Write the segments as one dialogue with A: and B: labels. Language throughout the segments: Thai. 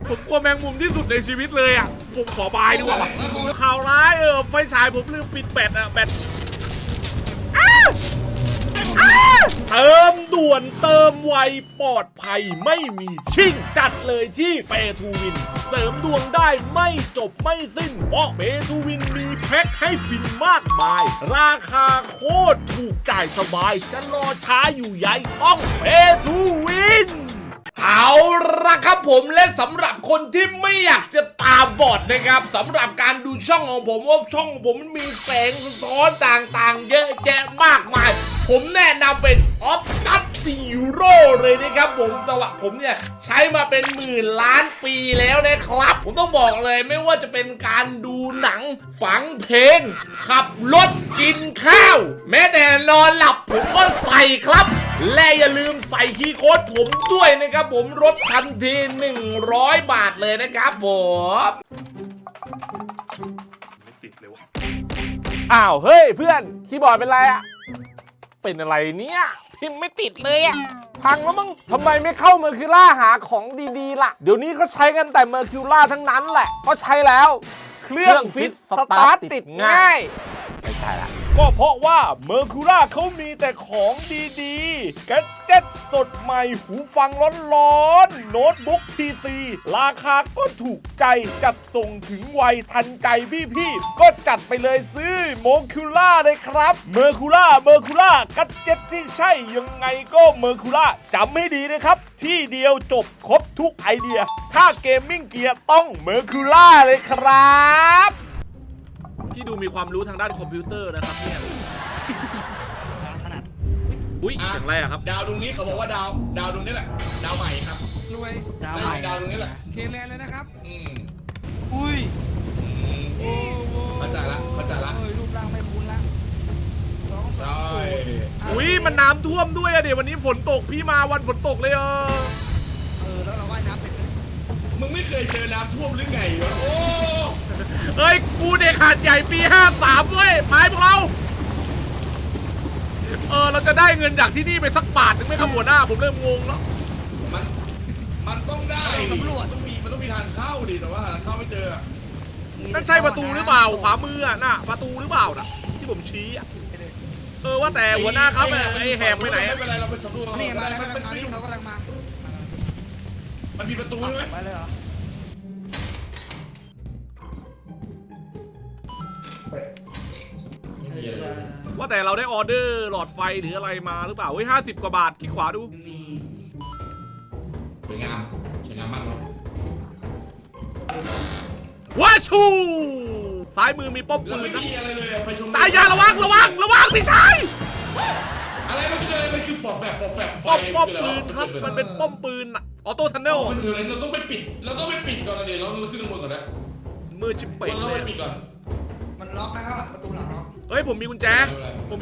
A: ผมกลัวแมงมุมที่สุดในชีวิตเลยอ่ะผมขอบายดีกว่าข่าวร้ายไฟฉายผมลืมปิดแบตอ่ะแบตเติมด่วนเติมไวปลอดภัยไม่มีชิ่งจัดเลยที่เปทูวินเสริมดวงได้ไม่จบไม่สิ้นเพราะเปทูวินมีแพ็คให้ฟินมากมายราคาโคตรถูกจ่ายสบายจะรอช้าอยู่ใหญ่ต้องเปทูวินเอาละครับผมและสำหรับคนที่ไม่อยากจะตาบอดนะครับสำหรับการดูช่องของผมว่าช่องของผมมันมีแสงสะท้อนต่างๆเยอะแยะมากมายผมแนะนำเป็น Optus Zero เลยนะครับผมสวัสดิ์ผมเนี่ยใช้มาเป็นหมื่นล้านปีแล้วนะครับผมต้องบอกเลยไม่ว่าจะเป็นการดูหนังฟังเพลงขับรถกินข้าวแม้แต่นอนหลับผมก็ใส่ครับและอย่าลืมใส่คีย์โค้ดผมด้วยนะครับผมลดทันที100 บาทเลยนะครับผมไม่ติดเลยวะอ้าวเฮ้ยเพื่อนคีย์บอร์ดเป็นไรอะเป็นอะไรเนี่ยพิมพ์ไม่ติดเลยอะพังแล้วมึงทำไมไม่เข้าเมอร์คิวล่าหาของดีๆล่ะเดี๋ยวนี้ก็ใช้กันแต่เมอร์คิวล่าทั้งนั้นแหละก็ใช้แล้วเครื่องฟิตสตาร์ทติดง่ายไม่ใช่ละก็เพราะว่าเมอร์คิวล่าเขามีแต่ของดีๆแกดเจ็ตสดใหม่หูฟังร้อนๆโน้ตบุ๊ก PC ราคาก็ถูกใจจัดส่งถึงไวทันใจพี่ๆก็จัดไปเลยซื้อเมอร์คิวล่าเลยครับเมอร์คิวล่าแกดเจ็ตที่ใช่ยังไงก็เมอร์คิวล่าจำให้ดีนะครับที่เดียวจบครบทุกไอเดียถ้าเกมมิ่งเกียร์ต้องเมอร์คิวล่าเลยครับพี่ดูมีความรู้ทางด้านคอมพิวเตอร์นะครับเนี่ย
B: ขนาด
A: อุ้ยเสียงอะไรอะครับ
C: ดาวดวงนี้เขาบอกว่าดาวดวงนี้แหละดาวใหม่ครับ
D: รวย
B: ดาวใหม่
C: ดาวดวงนี้แหละ
D: เคแลนเลยนะครับ
B: อุ้ย
C: เข้าใจละ
B: รูปร่างไม่คุ้นละ
C: ใช่
A: อุ้ยมันน้ำท่วมด้วยอะเดี๋ยววันนี้ฝนตกพี่มาวันฝนตกเลย
B: แล้วเราว่ายน้ำเป็น
C: มึงไม่เคยเจอน้ำท่วมหรือไงวะโอ้
A: เฮ้ยกูเด็กหาดใหญ่ปี53เว้ยไปพวกเราเราจะได้เงินจากที่นี่ไปสักบาทนึงไหมครับหัวหน้าผมเริ่มงงแล้ว
C: มันต้องได้
B: ตำรวจ
C: มันต้องมีทางเข้าดิแต่ว่าทางเข้าไม่เจอ
A: นั่นใช่ประตูหรือเปล่าขวามือน่ะประตูหรือเปล่าน่ะที่ผมชี้ว่าแต่หัวหน้าครับไอ้แหบไปไหน
C: ไม่เป็นไรเราไปสำรวจ
B: นี่มาแล้วเขากำลังมา
C: มันมีประตูไหม
B: ไปเลยเหรอ
A: ว่าแต่เราได้ออเดอร์หลอดไฟหรืออะไรมาหรือเปล่าเฮ้ย50 กว่าบาทคลิกขวาดู
C: สวยงามมากครับ
A: ว้าชูซ้ายมือมีป้อมปืนนะสายยาระวังพี่ชาย
C: อะไรมันคือป้อม
A: ปืนครับมันเป็นป้อมปืนออโต้ทันเนล
C: เราต้องไปปิดก่อนเดี๋ยวเราขึ้นข้างบนก่อนนะ
A: มือชิปเป่งเลย
B: มันล็อกนะครับประตูหลังล็อก
A: เฮ้ยผมมีกุญแจ
B: ได้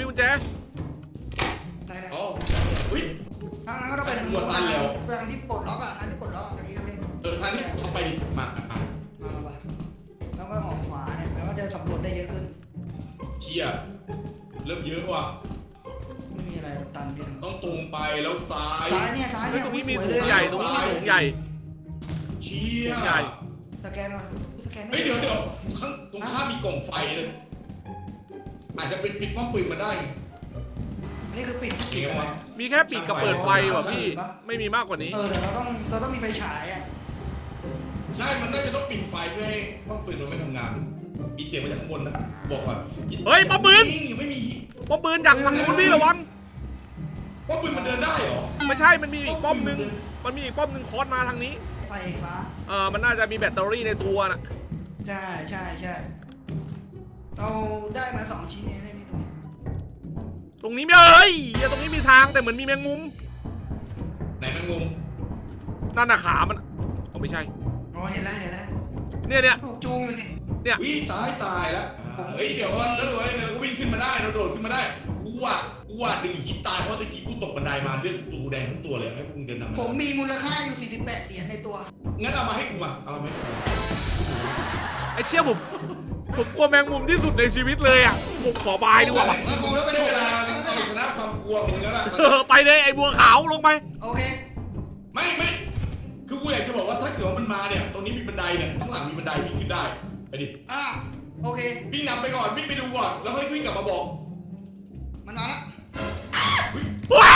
C: อ๋ออุ้ย
B: ทางนั้นก็ต้องเป็น
C: หัวตันแล้ว
B: ทางที่ปลดล็อกทางที่ปลดล็อกทางนี้ก็เป็น
C: ทางที่เข้าไปมา
B: แล้วก็ออกขวาเนี่ยแปลว่าจะสำรวจได้เยอะขึ้น
C: เชี่ยเริ่มเยอะว่ะ
B: ไม่มีอะไรตันพี่
C: ต้องตรงไปแล้วซ้าย
B: เนี่ย
A: ตรงนี้มีถุงใหญ่
C: เชี่ย
B: สแกนมา
C: เฮ้ยเดี๋ยวข้างตรงข้ามมีกล่องไฟเลยอาจจะเป็นปิดป้อมปืนมาได้
B: นี่คือปิด
A: มีแค่ปิดกับเปิดไฟว่ะพี่ไม่มีมากกว่านี้
B: แต่เราต้องมีไฟฉายอ่ะ
C: ใช่มันน่าจะต้องปิดไฟเพื่อให้ป้อมปืนมันไม่ทำงานมีเสียงมาจากข้างบนนะบอกก่อน
A: เฮ้ยป้อมปืน
C: ไม่มี
A: ป้อมปืนจากฝั่งนู้นพี่ระวัง
C: ป้อมปืนมันเดินได้เหรอ
A: ไม่ใช่มันมีอีกป้อมนึงคอสมาทางนี้
B: ไฟฟ้า
A: มันน่าจะมีแบตเตอรี่ในตัวน่ะ
B: ใช่เราได้มา2 ชิ้นเองพี่
A: ตรงนี้ไม่เอ้ยตรงนี้มีทางแต่เหมือนมีแมงมุม
C: ไหนแมงมุม
A: นั่นน่ะขามันไม่ใช่
B: เห็นแล้ว
A: เนี่ย
B: ถูกจูงอยู่
A: เนี่ย
C: วิ่งตายแล้วเฮ้ยเดี๋ยวว่าแล้วเราก็วิ่งขึ้นมาได้เราโดดขึ้นมาได้กูว่าดึงหินตายเพราะตะกี้กูตกบันไดมาเลือดตูแดงทั้งตัวเลยให้กูเดินนำ
B: ผมมีมูลค่าอยู่48 เหรียญในตัว
C: งั้นเอามาให้กูมาเอาไหม
A: ไอ้เชี่ยผมกลัวแมงมุมที่สุดในชีวิตเลยอ่ะผมขอบายดีกว่า
C: กูแล้วไม่ได้เวลาชนะความกลัวมึงแล้วล่ะ
A: ไปเลยไอ้บัวขาวลงไป
B: โอเค
C: ไม่คือคือกูอยากจะบอกว่าถ้าเกิดว่ามันมาเนี่ยตรงนี้มีบันไดเนี่ยข้างหลังมีบันไดวิ่งขึ้นได้ไปดิ
B: โอเค
C: วิ่งนำไปก่อนวิ่งไปดูก่อนแล้วค่อยวิ่งกลับมาบอก
B: มันมาละ
A: ว้า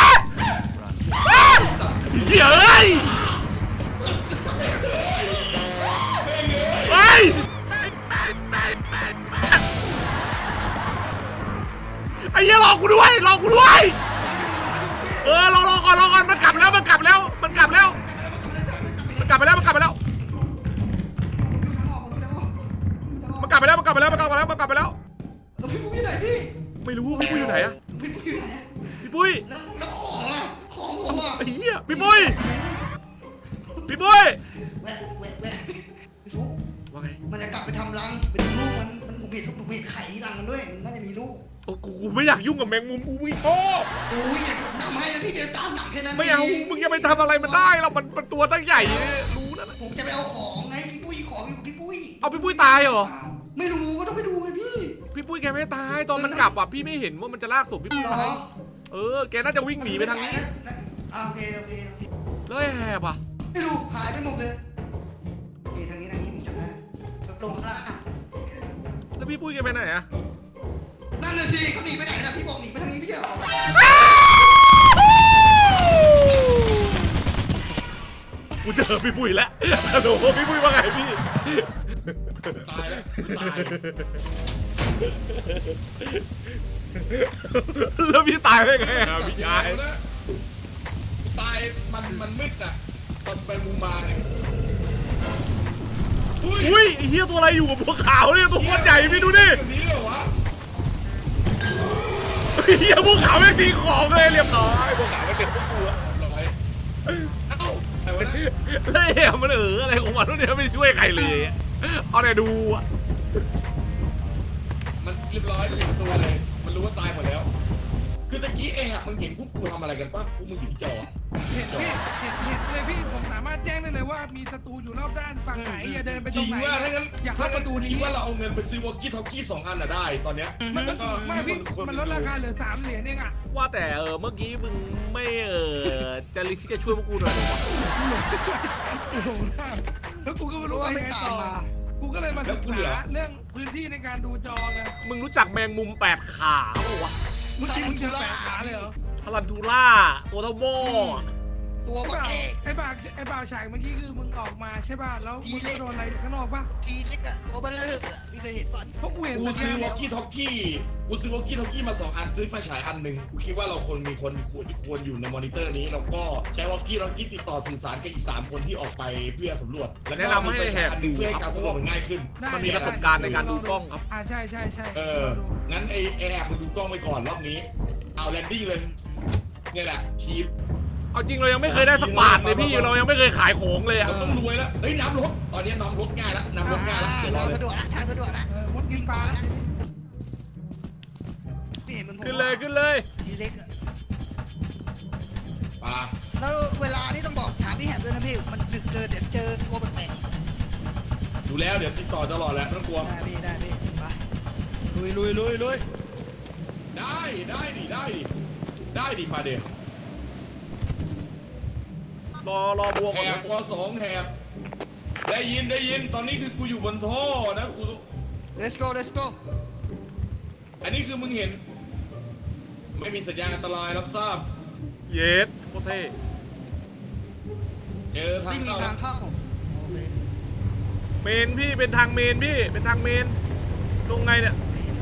A: เหี้ยเอ้ยเฮ้ยไอ้เหี้ยรอกูด้วยรอกูด้วยรอก่อนมันกลับแล้วมันกลับแล้วมันกลับไปแล้วมันกลับไปแล้ว
B: พี่ปุ้ยอยู่ไหนพี่
A: ไม่รู้พี่ปุ้ยอยู่ไหนอะ
B: พี่ปุ้ยอยู่ไหน
A: พี่ปุ้ย
B: แล้วของอะของผมอะ
A: ไอ้เหี้ยพี่ปุ้ยพี่ปุ้ย
B: แวะพี่ฟุ๊ก
A: ว่าไง
B: มันจะกลับไปทำรังไปดูลูกมันผมเห็นไข่รังมันด้วยมันน่าจะมีลูก
A: โอ้กูไม่อยากยุ่งกับแมงมุมกูไม่ชอบ
B: โอ้ยอยากนำให้นะพี่เดินตามหนังแค่นั้น
A: ไม่เอามึงจะไปทำอะไรมันได้หรอกมันตัวตั้งใหญ่รู้นะ
B: ผมจะไปเอาของไงพี่ปุ้ยของอยู่กับพี่ปุ้ย
A: เอาพี่ปุ้ยตายเหรอ
B: ไม่รู้ก็ต้องไปดูไงพี่
A: พี่ปุ้ยแกไม่ตายตอนมันกลับอ่ะพี่ไม่เห็นว่ามันจะลากศพพี่ปุ้ยไปแกน่าจะวิ่งหนีไปทางนี้
B: โอเค
A: แล้วไอ้แหบอ่ะ
B: ไม่รู้หายไปหมดเลยทางนี้ผมจำได้ลงข้างล่าง
A: แล้วพี่ปุ้ยแกไปไหนอ่ะ
B: นั่นน่ะสิเขาหนีไปไหนนะพี่บอกหนีไปทางนี้พี่เหรอ
A: กูเจอพี่ปุ้ยแล้วฮัลโหลพี่ปุ้ยว่าไงพี่
C: ตายแล้วตาย
A: แล้วพี่ตายได้ไงอ่ะพี่ชาย
C: ตายมันมืดอ่ะตอนไปมุมมาเนี่ย
A: อุ้ยไอ้เหี้ยตัวอะไรอยู่กับพวกขาวเนี่ยตัวโคตรใหญ่พี่ดูดิ
C: แบบนี้เหรอวะ
A: ไอ้เหี้ยพวกขาวแม่งตีของเลยเรียบร้อยพวกขาวมันเป็นพวกกูอะ
C: ร้อยเอ้าแต่ว่า
A: แล้วไอ้มันอะไรของมันเนี่ยไม่ช่วยใครเลยอะเอาแต่ดูอะ
C: มันเรียบร้อยเป็นตัวเลยมันรู้ว่าตายหมดแล้ว คือตะกี้เองอ่ะมึงเห็นพวกกูทำอะไรกันปะพวกมึงอยู่ที่จอ
D: เห็นพี่เห็นเลยพี่ผมสามารถแจ้งได้เลยว่ามีศัตรูอยู่รอบด้านฝั่งไหนอย่าเดินไป
C: จ
D: ตร
C: ริ
D: ง
C: ง
D: ไหน
C: ว่าถ้างั้น
D: อยาก
C: ถ้า
D: เข้า
C: ป
D: ประ ระ
C: ตู
D: ตู
C: นี้
D: นี้
C: ว่าเราเอาเงินไปซื้อวอกกี้ทอกกี้2 อันอ่ะได้ตอนเนี้ย
D: มัน
C: แล้วก็
D: ไม่พี่มันลดราคาเหลือ3 เหรียญเองอ่ะ
A: ว่าแต่เมื่อกี้มึงไม่จะคิดจะช่วยพวกกูหน่อยหรอวะ
D: แล้วกูก็ไม่
B: รู้
D: รู้
B: ว่า
D: ว่า
B: ไม่
D: ยังไง
B: ตาม
D: ต่อ
B: มา
D: กูก็เลยมาศึกษาเรื่องพื้นที่ในการดูจอไง
A: มึงรู้จักแมงมุม8 ขาเปล่าวะ
D: เมื่อกี้มึงเจอ8 ขาเลยเหรอ
A: ทารันทูล่าตัวเท่าหม้อ
B: ตัว
D: ไอ้
B: บัก
D: บ่าว
B: เอก
D: ไอ้บ่าวฉากเมื่อกี้คือมึงออกมาใช่ป่ะแล้วมึงโดนอะไรข้างนอกป่ะ
B: ทีเล็กอะตัวเบลเลอร์พี่เคยเห็นก่อน
D: เพราะกูเห็น
C: กู
D: แต่
C: ซื้อว
D: แค่
C: อกกี้ทอกกี้มา2 อันซื้อไฟฉายอันหนึ่งกูคิดว่าเราควรอยู่ในมอนิเตอร์นี้แล้วก็ใช้วอกกี้ทอกกี้ติดต่อสื่อสารกับอีก3 คนที่ออกไปเพื่อสำรวจแล้วก็
A: แนะนำให้แหกดู
C: เพื่อให้
A: ค
C: กา
A: รั
C: ร
A: บ
C: สำรวจมันง่ายขึ้น
D: ได้
A: มันมีประสบการณ์ในการดูกล้องครับ
D: ใช่
C: งั้นไอ้แอบมึงดูกล้องไปก่อนรอบนี้เอาแลนดิ้งเลยเนี่ยแหละชีฟ
A: เอาจริงเรายังไม่เคยได้สักบาทเลยพี่เรายังไม่เคยขายของเลยอะ
C: เราต้องรวยแล้วเฮ้ยน้ำรถตอนนี้น้ำรถง่ายแล้วน้ำรถง่ายแล้วเดี๋ยวรอ
B: ทาง
C: เลย
B: สะดวกนะทางสะดวกนะ
D: มดกินปลา
B: พี่เห็นมัน
A: ขึ้นเลย
B: ทีเล็กอะ
C: ปลา
B: แล้วเวลานี่ต้องบอกถามพี่แหบด้วยนะพี่มันดึกเกินเดี๋ยวเจอตัวแปลก
C: ดูแล้วเดี๋ยวติดต่อตลอดแหละไม่ต้องกลัว
B: ๆได้พี่ไปลุย
C: ได้ดิมาเดี๋ยว
A: รอบวง
C: แห
A: ก่อน
C: บว2แหบได้ยินตอนนี้คือกูอยู่บนท่อนะกู
B: let's go
C: อันนี้คือมึงเห็น ไม่มีสัญญาณอันตรายรับทราบ
A: เยสโคตรเท่
C: เจอทาง
B: ไม่มี
C: เข้า
B: ทางเข้าโอเค
A: เมนพี่เป็นทางเมนพี่เป็นทางเมนลงไงเนี่ย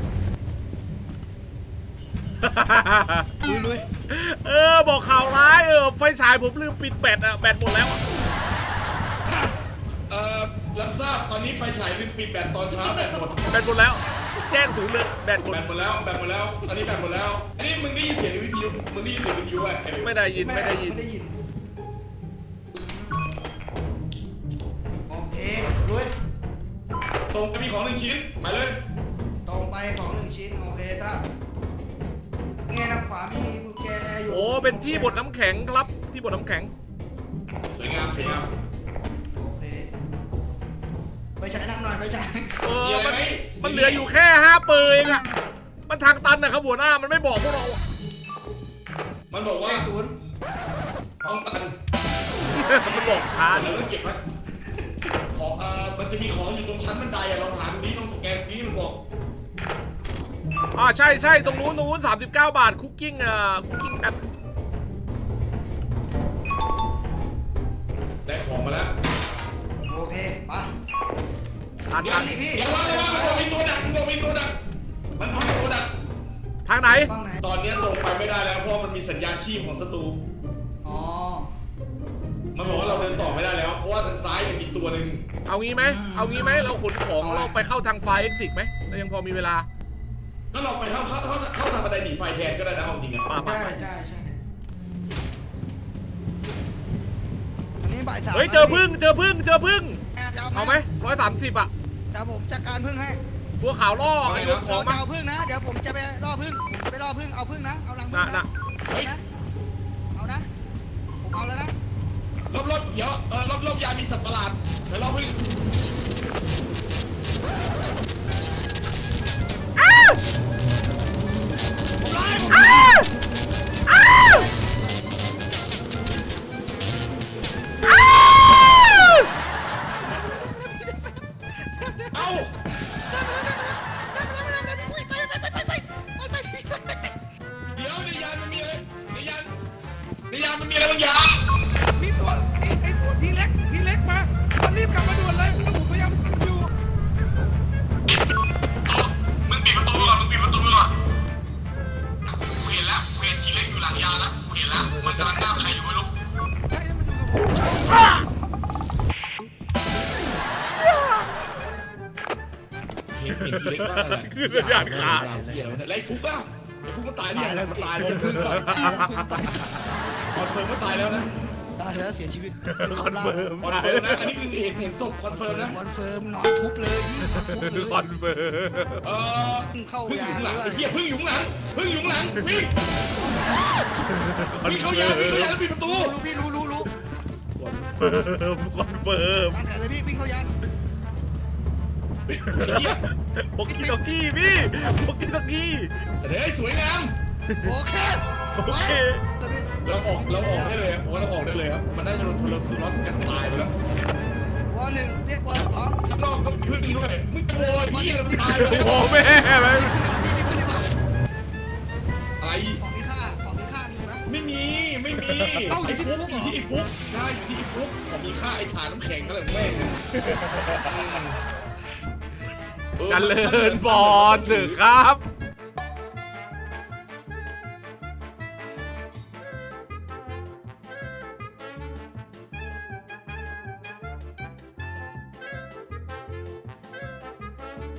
B: ลุย
A: บอกข่าวร้ายไฟฉายผมลืมปิดแบตอะแบตหมดแล้วอะ
C: รับทราบตอนนี้ไฟฉายปิดแบตตอนเช้าแบตหมด
A: แบตหมดแล้วแจ้งศูนย์เลยแบตหมด
C: แบตหมดแล้วตอนนี้แบตหมดแล้วอันนี้มึงได้ยินเสียงในวิทยุอ่ะ
A: ไม่ได้ยิน
B: โอเคลุย
C: ตรงจะมีของ1 ชิ้นมาเลย
B: ตรงไปของ1 ชิ้นโอเคครับเงี้ยทางขวามีกุญแจอยู่
A: โอ้เป็นที่บดน้ำแข็งครับที่บดน้ำแข็ง
C: สวยงาม
B: โอเคไปฉายนั่งหน่อยไปฉาย
A: มันเหลืออยู่แค่5 เปอร์เองอะมันทางตันนะครับหัวหน้ามันไม่บอกพวกเราอะ
C: มันบอกว่า
B: ศูนย์
C: ห้องตัน
A: มันบอกช้า
C: เราต้องเก็บไว้ของมันจะมีของอยู่ตรงชั้นบันไดอะเราหาตรงนี้ตรงสแกนนี้มันบอก
A: ใช่ตรงนู้น39 บาทคุกกิ้งคุกกิ้งแอป
C: ได้ของมาแล้ว
B: โอเคไป
A: อัน
B: ยั
A: อั
B: ง
A: น
B: ดิพี่
C: เดี๋ยวว่ามันมีตัวดักมันมีตัวดักมันมีตัวดัก
A: ทางไหน
B: ฟังไหน
C: ตอนนี้ตรงไปไม่ได้แล้วเพราะมันมีสัญญาณชีพของศัตรู
B: อ๋อ
C: มันบอกว่าเราเดินต่อไม่ได้แล้วเพราะว่าทางซ้ายมันมีตัวหนึ่ง
A: เอางี้ไหมเราขนของเราไปเข้าทางไฟเอ็กซิกไหมเรายังพอมีเวลา
C: ก็เราไปเข้าทางบันไดหนีไฟแทนก็ได้นะเอาจริงอะ
A: ป่ะ
B: ใช่อันนี้บ่าย 3
A: เฮ้ยเจอพึ่งเอาไหม130อ่ะ
B: เดี๋ยวผมจัดการพึ่งให้
A: ตัวขาวล่อโยนของมา
B: เอาพึ่งนะ เดี๋ยวผมจะไปล่อพึ่งเอาพึ่งนะ เอารังพึ่ง
A: น่ะ
B: เอานะ ผมเอาแล้วนะ
C: รอบเดี๋ยวรอบยามีสัตว์ประหลาดเดี๋ยวรอบพึ่ง เอ้าเดี๋ยวในยานมันมีอะไรในยานมันมีอะไรบางอย่าง
D: มีตัวไอ้ตัวทีเล็กมามันรีบกลับมาด่วนเลยแล้วผมพยายามอยู่
C: มึงปิดประตูก่อนกูเห็นแล้วกูเห็นทีเล็กอยู่หลังยานแล้วกูเห็นแล้วมันกำลังหน้าใครอยู่ไม่รู้
D: ใช่มันอยู่กับผม
C: เห็นทีเล็กว่าอะไร
A: คือสัญญาณขาด
C: เหี้ยอะไรไอ้ฟุกอ่ะไอ้ฟุกมันตายเนี่ยมันตายเลย
B: พึ่งก่อนตาย
C: คอนเฟิร์มว่าตายแล้วนะ
B: ตายแล้วเสียชีวิต
A: คอนเฟิร์ม
C: คอนเฟิร์มนะอันนี้คือเห็นศพคอนเฟิร์มนะ
B: คอนเฟิร์มนอนทุบเลยพี่
A: คอนเฟิร์ม
B: เข้า
C: พึ่งอย
B: า
C: ยู่ข้างหลัง
B: ด้ว
C: ไอ้
B: ย
C: เหี้ยพึ่งอยู่ข้างหลังวิ่งวิ่งเข้ายานแล้วปิดประตู
B: พี่รู้
A: คอนเฟิร์ม
B: ตั้งแต่เลยพี่วิ่งเข้ายาน
A: โปกิโตกี้พี่โปกิโตกี้
C: เฮ้ยสวยงาม
B: โอเค
A: โอเค
C: เราออกได้เลยผมว่าเราออกได้เลยครับมันน่าจะโดนทรสล็อตกันตายไปแล้ว
B: วอหนึ่งเรียกวอสอง
C: ข้างนอกต้องพึ่งด้วยมึงโวยเหี้ยมันตายไปแล้ว
A: โอ้แม่ไหม
B: พี่ขึ้นดีกว่า
C: อะไร
B: ของมีค่ามีไหม
C: ไม่มีไอ้ฟุกอยู่ที่ไอ้ฟุกได้อยู่ที่ไอ้ฟุกของมีค่าไอ้ฐานน้ำแข็งอะไรของแม่ง
A: กันเลินบอลเถอะครับ